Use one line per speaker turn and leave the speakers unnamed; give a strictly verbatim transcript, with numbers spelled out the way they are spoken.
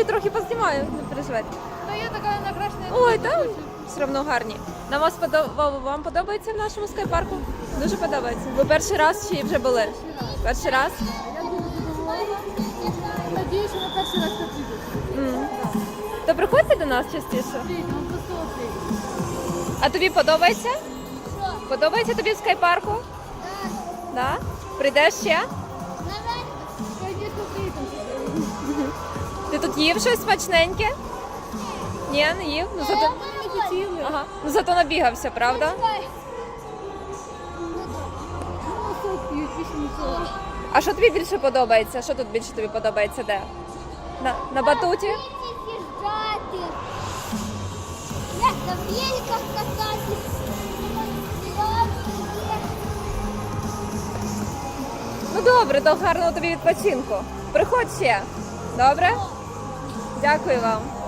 Тоді трохи познімаю, не переживайте.
Та я така накрашена.
Ой, там все одно гарні. Нам вас подо... Вам подобається в нашому скайпарку? Дуже подобається. Ви перший раз чи вже були? Перший раз?
Я дуже задоволена. Надію, що на перший раз потрібно.
М. То приходьте до нас частіше.
Прийдемо, просто прийдемо.
А тобі подобається? Подобається тобі в скайпарку? Так. Да? Прийдеш ще?
Звісно, прийдемо.
Ти тут їв щось смачненьке? Ні, не їв. Ну зато,
Ми хотіли.
ага. Ну, зато набігався, правда?
Ну, сок п'ють, більше нічого.
А що тобі більше подобається? Що тут більше тобі подобається? Де? На, на батуті?
Їжджати. Як на великах кататись.
Ну добре, то гарного тобі відпочинку. Приходь ще. Добре? Дякую вам.